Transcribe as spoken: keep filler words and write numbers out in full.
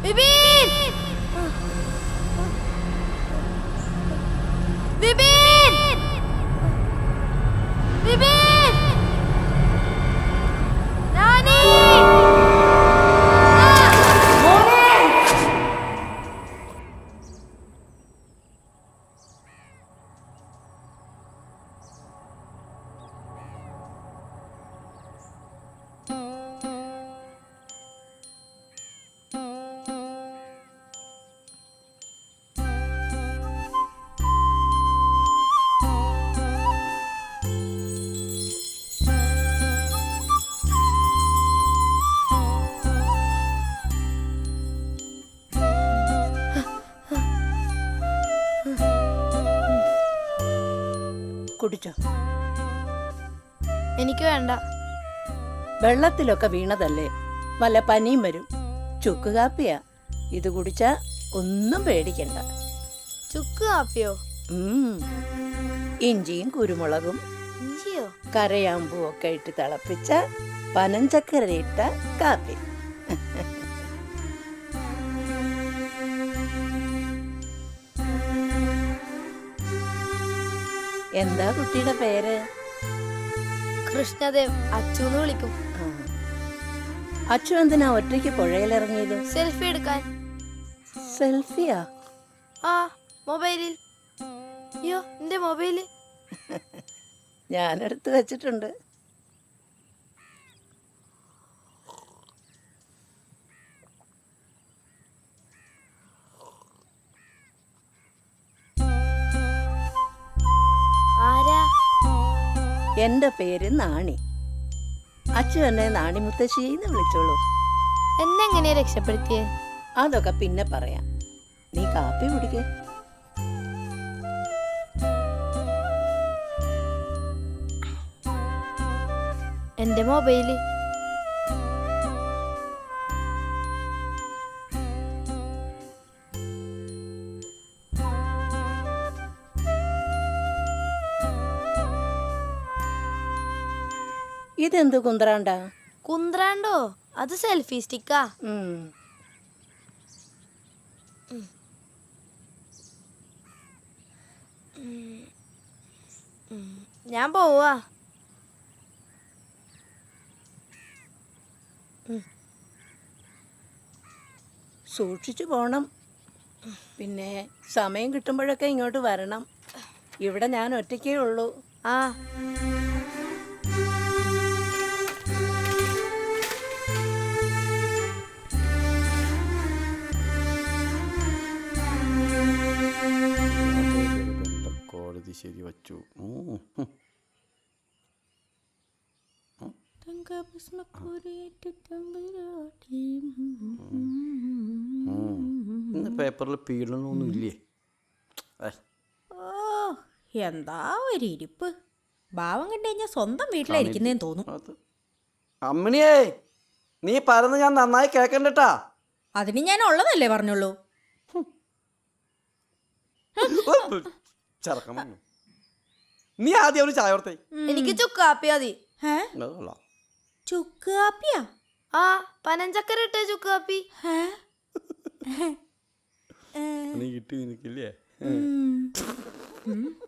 വിപിൻ വിപിൻ വിപിൻ നാനി കുടിച്ചോ. എനിക്ക് വേണ്ട. വെള്ളത്തിലൊക്കെ വീണതല്ലേ, വല്ല പനിയും വരും. ചുക്ക് കാപ്പിയാ, ഇത് കുടിച്ചാ ഒന്നും പേടിക്കണ്ട. ചുക്ക് കാപ്പിയോ? ഉം. ഇഞ്ചിയും കുരുമുളകും ഇഞ്ചിയോ? കരയാമ്പൂ ഒക്കെ ഇട്ട് തിളപ്പിച്ച പനഞ്ചക്കര ഇട്ട കാപ്പി. എന്താ കുട്ടിയുടെ പേര്? കൃഷ്ണദേവ്. അച്ചുന്ന് വിളിക്കും. അച്ചു എന്തിനാ ഒറ്റയ്ക്ക് പുഴയിലിറങ്ങിയത്? സെൽഫി എടുക്കാൻ. സെൽഫിയാ? ആ, മൊബൈലിൽ. അയ്യോ, എന്റെ മൊബൈല് ഞാനെടുത്ത് വെച്ചിട്ടുണ്ട്. ആരാ? എന്റെ പേര് നാണി. അച്ചു എന്നെ നാണി മുത്തശ്ശിന്ന് വിളിച്ചോളൂ. എന്നെങ്ങനെയാ രക്ഷപ്പെടുത്തിയേ? അതൊക്കെ പിന്നെ പറയാം. നീ കാപ്പി കുടിക്കേ. എന്റെ മൊബൈല്. ഇതെന്ത് കുന്ത്രാണ്ടാ? കുന്ത്രാണ്ടോ? അത് സെൽഫി സ്റ്റിക്കാ. ഉം. ഞാൻ പോവാ. സൂക്ഷിച്ചു പോണം. പിന്നെ സമയം കിട്ടുമ്പോഴൊക്കെ ഇങ്ങോട്ട് വരണം. ഇവിടെ ഞാൻ ഒറ്റയ്ക്കേ ഉള്ളൂ. ആ. കോടതി ശരി വച്ചു. ഇന്ന് പേപ്പറിൽ പീഡനമൊന്നും ഇല്ലേ? ഓ, എന്താ ഒരു ഇരിപ്പ്. ഭാവം കണ്ടു കഴിഞ്ഞാൽ സ്വന്തം വീട്ടിലായിരിക്കുന്നേന്ന് തോന്നും. അമ്മിണിയേ, നീ പറഞ്ഞ് ഞാൻ നന്നായി കേക്കണ്ടട്ടാ. അതിന് ഞാൻ ഉള്ളതല്ലേ പറഞ്ഞുള്ളൂ. നീ ആദ്യം ഒരു ചായ ഓർത്തേ. എനിക്ക് ചുക്ക് കാപ്പി മതി. ചുക്ക് കാപ്പിയാ? ആ, പനഞ്ചക്കര ഇട്ട ചുക്ക് കാപ്പി. നീ കിട്ടി നിനക്കില്ലേ?